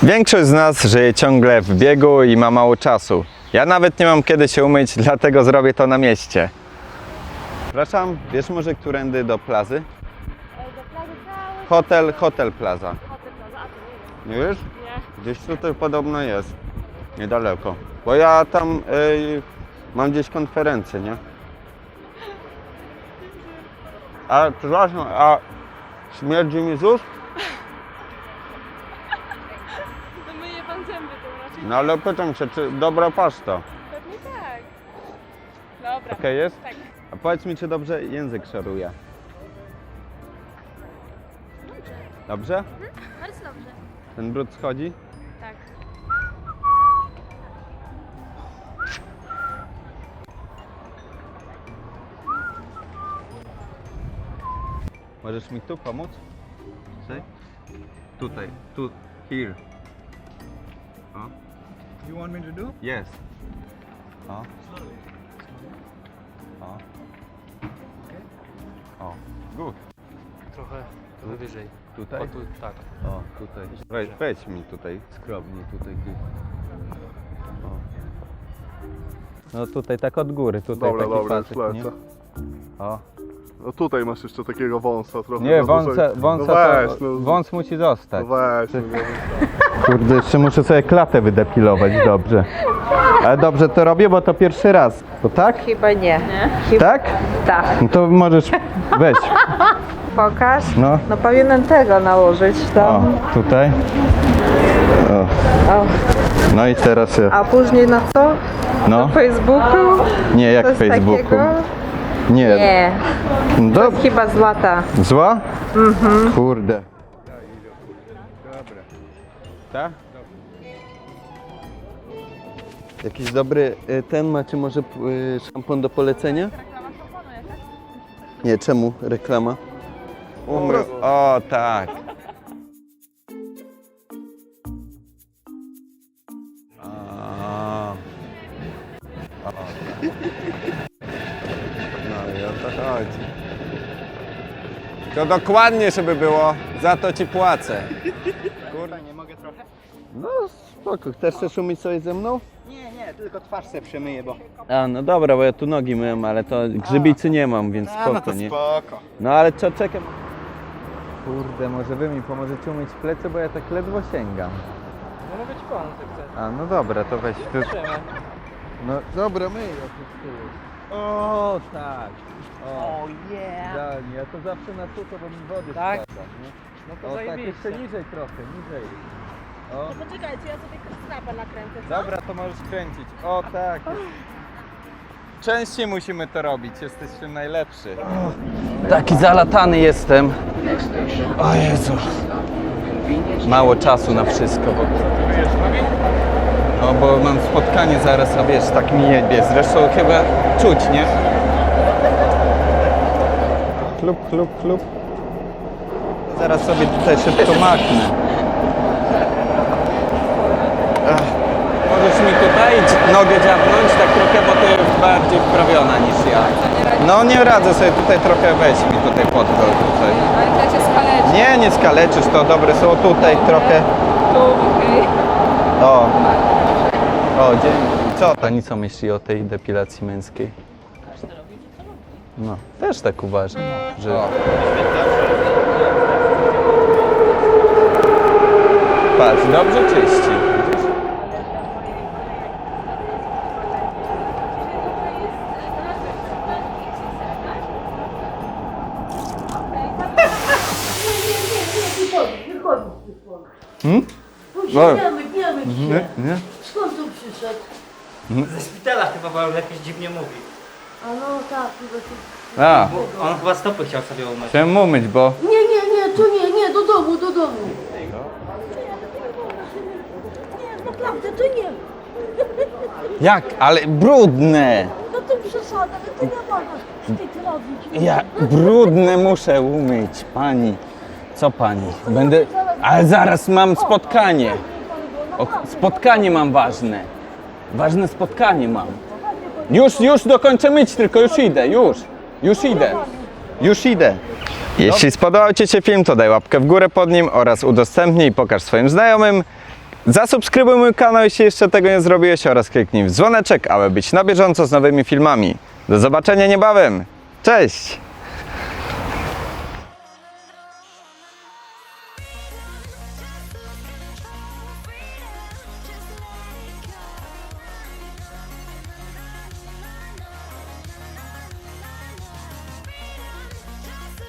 Większość z nas żyje ciągle w biegu i ma mało czasu. Ja nawet nie mam kiedy się umyć, dlatego zrobię to na mieście. Przepraszam, wiesz może którędy do plazy? Do plaży cały. Hotel Plaza. Hotel Plaza, a ty nie Nie wiesz? Nie. Gdzieś tutaj podobno jest. Niedaleko. Bo ja tam mam gdzieś konferencję, nie? A przepraszam, a śmierdzi mi z ust? To myje pan zęby, to raczej No ale pytam się, czy dobra paszta? pewnie tak. Dobra. Okej jest? Tak. A powiedz mi, czy dobrze język szoruje? Dobrze? Bardzo dobrze. Ten brud schodzi? Tak. Możesz mi tu pomóc? Tutaj? Tutaj, tu, here. O. You want me to do? Jest. O. O. O. Good. Trochę wyżej. Tutaj? O tu, tak. O, tutaj. Wejdź mi tutaj, skromnie tutaj. O. No tutaj tak od góry, tutaj Dobra, taki dobra, już patyk, nie? lecę. O. No tutaj masz jeszcze takiego wąsa trochę. Nie, na dłużej. wąsa no weź, to, no, wąs musi zostać. No weź, no, Kurde, jeszcze muszę sobie klatę wydepilować dobrze. Ale dobrze to robię, bo to pierwszy raz. To tak? Chyba nie. Tak? Tak. No to możesz weź. Pokaż. No. No powinienem tego nałożyć O, tam. tutaj. O. O. No i teraz ja. A później na co? No. Facebooku? Nie, jak Coś w Facebooku. takiego? Nie. Nie. Dob Chyba z lata. Zła? Mhm. Kurde. Dobra. Tak? Jakiś dobry ten macie może szampon do polecenia? Nie, czemu reklama? Umrę. O tak. O, tak. No i o to chodzi. To dokładnie, żeby było, za to ci płacę. Kurde, Nie mogę trochę? no spoko. Chcesz umyć coś ze mną? Nie, tylko twarz sobie przemyję, bo... A, no dobra, bo ja tu nogi myłem, ale to grzybicy nie mam, więc spoko, no to nie? spoko. No ale co, czekam. Kurde, może wy mi pomożecie umyć plecy, bo ja tak ledwo sięgam. No mogę ci pomóc, jak chcesz. A, no dobra, to weź. Tu... No dobra, myj. O, tak. O, idealnie. Ja to zawsze na sucho, bo mi wody Tak? spada, nie? No to O, tak, zajebiście. jeszcze niżej trochę, niżej. O, To poczekajcie, ja sobie snapa nakręcę, co? dobra, to możesz kręcić. O, tak. Częściej musimy to robić, jesteś najlepszy. Taki zalatany jestem. O Jezu. Mało czasu na wszystko. No bo mam spotkanie zaraz, a wiesz, tak mi jebie. Zresztą chyba czuć, nie? Klub. Zaraz sobie tutaj szybko machnę. Możesz mi tutaj nogę dziabnąć tak trochę, bo ty jest bardziej wprawiona niż ja. No nie radzę sobie tutaj trochę, weź mi tutaj podgol tutaj. Ale to się skaleczy. Nie skaleczysz, to dobre są tutaj trochę. Tu, okej. O, dzięki. Co pani co myśli o tej depilacji męskiej? No, też tak uważam, że... Patrz, dobrze czyści. Nie? Skąd tu przyszedł? Ze szpitala chyba, bo jakoś dziwnie mówi. A no tak, chyba tu... A, On chyba stopy chciał sobie umyć. chciałem umyć, bo... Nie, to nie, do domu. Nie, naprawdę, to nie. Jak? Ale brudne! No to przesada, no to nie można wstyd robić. Ja brudne muszę umyć, pani. Co pani? Będę... Ale zaraz mam spotkanie. O, spotkanie mam ważne. Ważne spotkanie mam. Już dokończę myć, tylko już idę, już idę. Jeśli spodobał Ci się film, to daj łapkę w górę pod nim oraz udostępnij i pokaż swoim znajomym. Zasubskrybuj mój kanał, jeśli jeszcze tego nie zrobiłeś, oraz kliknij w dzwoneczek, aby być na bieżąco z nowymi filmami. Do zobaczenia niebawem. Cześć!